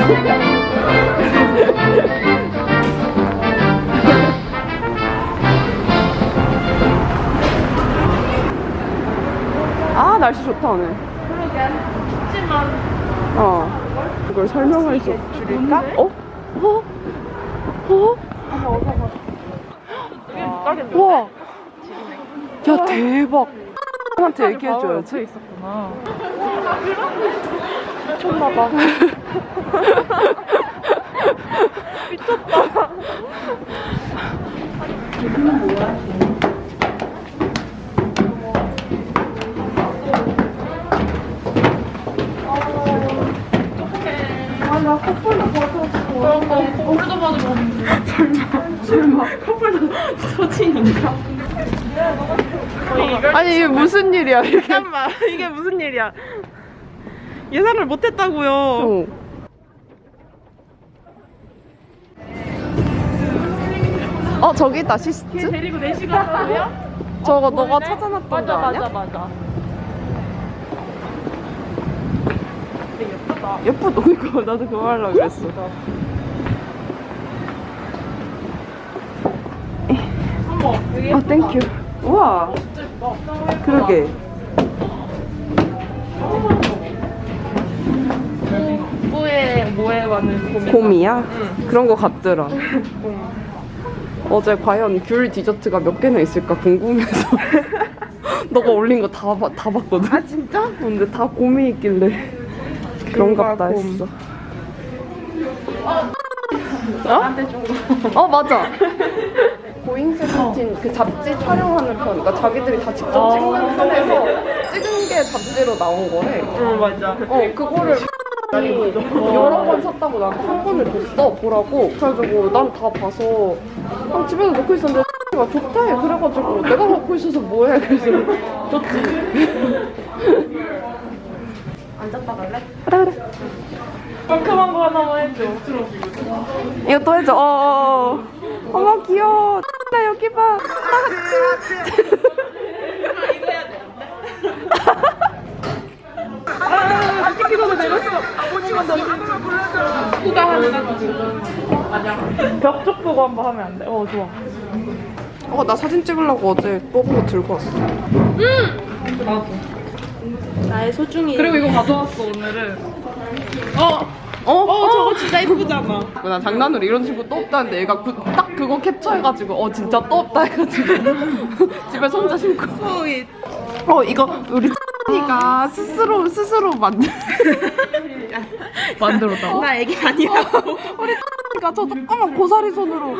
아, 날씨 좋다 오늘. 그러게. 춥지만. 이걸 설명할 수 줄일까? 어? 어? 어? 와. 야, 대박. 한테 얘기해줘야지. 있었구나. 미쳤나봐. 미쳤다. 여기는 뭐야? 나 커플도 받았어. 커플도 받으러 설마 커플도 소진인가? 아니, 이게 무슨 일이야, 이게. 잠깐만, 이게 무슨 일이야? 예상을 못했다고요. 저기 있다, 시스트? 데리고 4시간 하고요? 저거 너가 찾아놨던 거 아니야? 맞아. 되게 예쁘다. 예쁘다. 그니까 나도 그거 하려고 그랬어. 어머, 되게 예쁘다. 땡큐. 우와. 진짜 예쁘다. 그러게. 뭐에 많은 곰이야? 그런 거 같더라. 어제 과연 귤 디저트가 몇 개나 있을까 궁금해서 너가 올린 거 다 봤거든. 아, 진짜? 근데 다 곰이 있길래 그런갑다 했어. 나한테 준 거. 맞아. 고잉 세븐틴 그 잡지 촬영하는 편, 그러니까 자기들이 다 직접 찍는 편에서 찍은 게 잡지로 나온 거래. 응, 맞아. 그거를 여러 번 샀다고 나한테 한 번을 줬어, 보라고. 그래가지고 난 다 봐서 집에서 놓고 있었는데 가 좋다 해. 그래가지고 내가 갖고 있어서 뭐해. 그래서 줬지. 앉았다 갈래? 그래. 깔끔한 거 하나만 해줘. 이거 또 해줘. 어머 귀여워. 나 여기 봐. 같이. 이거 해야 돼. 찍기 전에 내렸어. 아버지만 너 누가 하는지. 맞아. 벽쪽 보고 한번 하면 안 돼? 좋아. 나 사진 찍으려고 어제 뽑은 거 들고 왔어. 나도. 나의 소중히. 그리고 이거 가져왔어 오늘은. 저거 진짜 예쁘잖아. 나 장난으로 이런 식으로 또 없다는데 얘가 딱 그거 캡처해가지고 진짜 또 없다 해가지고 집에서 혼자 신고. 이거 우리 니가 스스로 만들었다고? 나 애기 아니라고. 우리 니가 저 조그만 고사리 손으로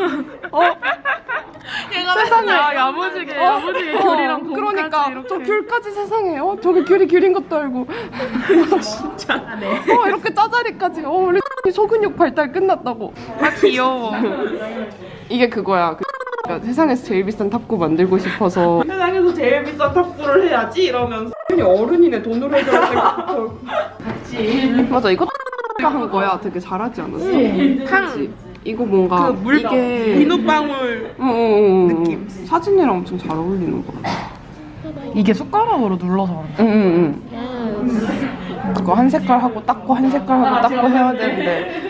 세상에 야무지게 귤이랑 곰까지 그러니까 이렇게. 저 귤까지 세상에 저게 귤인 것도 알고 진짜. 네. 이렇게 짜자리까지 우리 소근육 발달 끝났다고. 아 귀여워. 이게 그거야. 그러니까 세상에서 제일 비싼 탑구 만들고 싶어서 세상에서 제일 비싼 탁구를 해야지 이러면서. 어른이네 돈으로 해줘야 되고. 같이. 맞아, 이거 한 거야. 되게 잘하지 않았어? 그치? 이거 뭔가 이게 비눗방울. 느낌. 사진이랑 엄청 잘 어울리는 거 같아. 이게 숟가락으로 눌러서 하는 거야? 그거 한 색깔 하고 닦고 한 색깔 하고 닦고 해야 되는데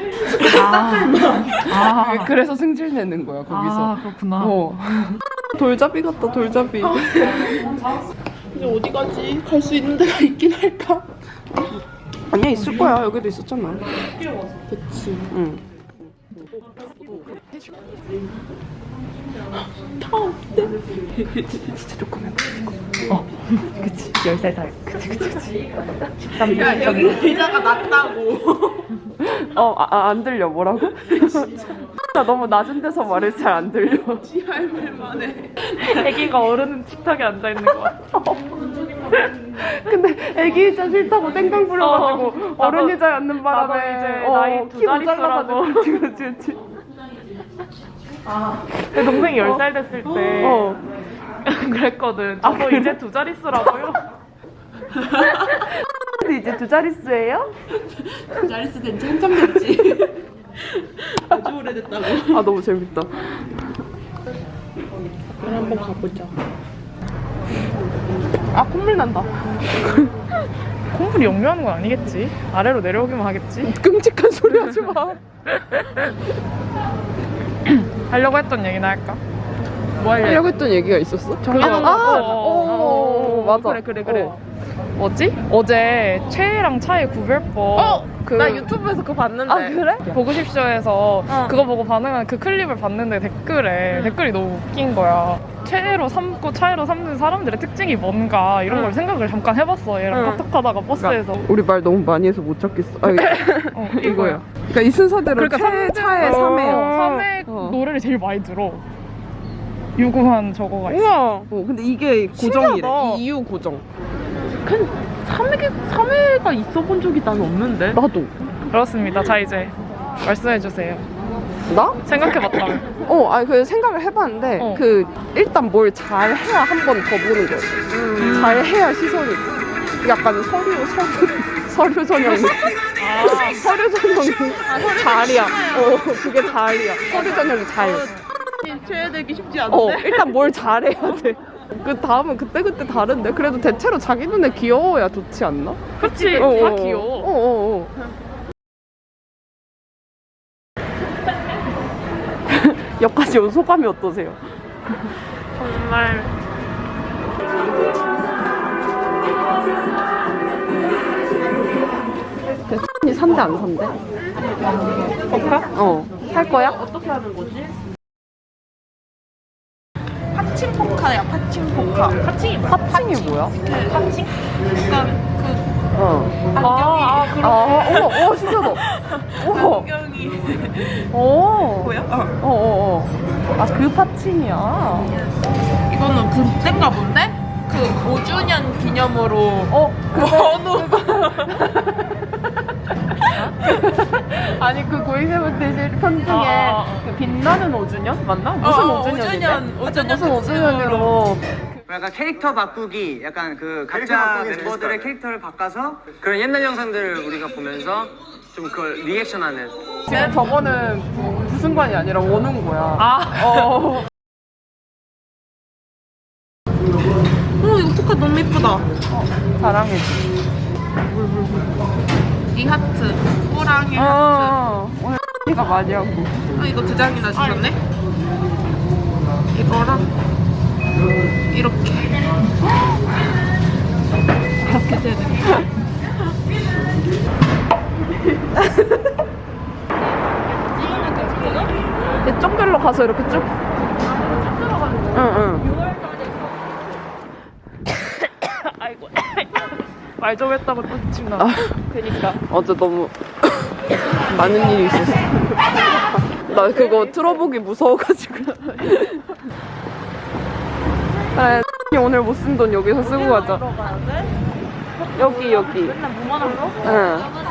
그래서 승질 내는 거야 거기서. 그렇구나. 돌잡이 같다, 돌잡이. 이제 어디 가지? 갈 수 있는 데가 있긴 할까? 아니야, 있을 거야. 여기도 있었잖아. 그치. 응. 다 없대. 진짜 조그만 그치. 10살 살. 그치. 13살. 야, 여기 의자가 낮다고. 안 들려. 뭐라고? 나 너무 낮은 데서 말해서 잘 안 들려. 지할만 해. 애기가 어른 식탁에 앉아있는 거 같아. 근데 애기 의자 싫다고 땡깡 부려가지고 어른 의자에 앉는 바람에 나도 이제 나이 두 키 자릿수라고. 모자라가지고. 그치. 내 동생이 10살 됐을 때 그랬거든. 저도 그래? 이제 2자릿수라고요? 이제 2자릿수예요? 자리스 된지 한참 됐지. 아주 오래됐다고. 너무 재밌다. 한번 가보자. 콧물 난다. 콩물이 역류하는 건 아니겠지? 아래로 내려오기만 하겠지? 끔찍한 소리 하지 마. 하려고 했던 얘기나 할까? 뭐 하려고 했던 얘기가 있었어? 정해놓은 거. 맞아. 그래. 뭐지? 어제 최애랑 차의 구별법. 나 유튜브에서 그거 봤는데. 아 그래? 보고 싶쇼에서 어. 그거 보고 반응한 그 클립을 봤는데 댓글이 너무 웃긴 거야. 최애로 삼고 차애로 삼는 사람들의 특징이 뭔가 이런 걸 생각을 잠깐 해봤어. 얘랑 카톡하다가 버스에서. 우리 말 너무 많이 해서 못 찾겠어. 이거야. 그러니까 이 순서대로 차에 3회요. 3회 어. 노래를 제일 많이 들어. 유구한 저거가 있어. 우와. 근데 이게 고정이래. 신기하다. 이유 고정. 3회가 있어 본 적이 난 없는데. 나도. 그렇습니다. 자 이제 말씀해주세요. 나? 생각해봤다며. 그 생각을 해봤는데 어. 일단 뭘 잘해야 한 번 더 보는 거야. 잘해야 시선이. 약간 서류 전형이. 서류 전형이 잘이야. 그게 잘이야. 서류 전형이 잘. 최애되기 쉽지 않은데. 일단 뭘 잘해야 돼. 그 다음은 그때그때 다른데 그래도 대체로 자기 눈에 귀여워야 좋지 않나? 그치? 어, 다 어. 귀여워. 여기까지 온 소감이 어떠세요? 정말 이 산대 안 산대? 볼까? 할 거야? 어떻게 하는 거지? 파칭포카야, 파칭포카. 파칭이 뭐야? 파칭이 뭐야? 파칭? 약간 어머, 신기하다. 우와. 안경이 어. 뭐야? 아, 그 파칭이야. 이거는 그땐가 본데? 그 5주년 기념으로 원우 아니, 그 고잉세븐테이즈 편 중에 그 빛나는 5주년? 맞나? 무슨 5주년인데? 5주년 무슨 5주년으로. 약간 캐릭터 바꾸기, 약간 그 각자 멤버들의 캐릭터를 바꿔서 그런 옛날 영상들을 우리가 보면서 좀 그걸 리액션하는. 지금 저거는 부승관이 아니라 원우인 거야. 이거 포카 너무 예쁘다. 자랑해지. 이 하트 호랑이 하트. 오늘 가 많이 하고. 이거 2장이나 주셨네? 이거랑 이렇게 되는 쪽별로 가서 이렇게 쭉. 응. 아이고. 말 좀 했다고 또 기침 나. 그니까. 어제 너무 많은 일이 있었어. 나 그거 틀어보기 무서워가지고. 그래, 오늘 못 쓴 돈 여기서 쓰고 가자. 여기. 맨날 뭐만 한 거? 응.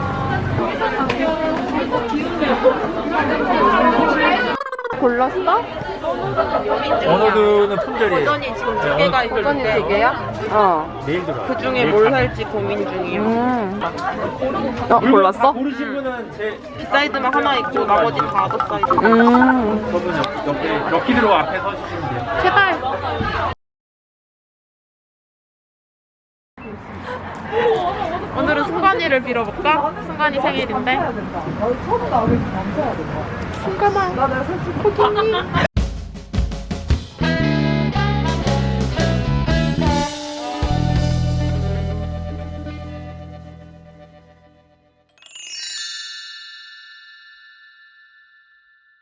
골랐어? 원어드는 품절이에요. 버전이 지금 2개가 버전이 있는데 2개야? 내일 들어. 그 중에 뭘 살지 고민 중이에요. 골랐어? 고르신 분은 제 비사이드만 하나 있고 나머지 다 아더 사이즈. 저분 옆에 럭키드로 앞에 서주시면 돼요. 제발. 오늘은 승관이를 빌어볼까? 승관이 생일인데. 승관아, 고객님.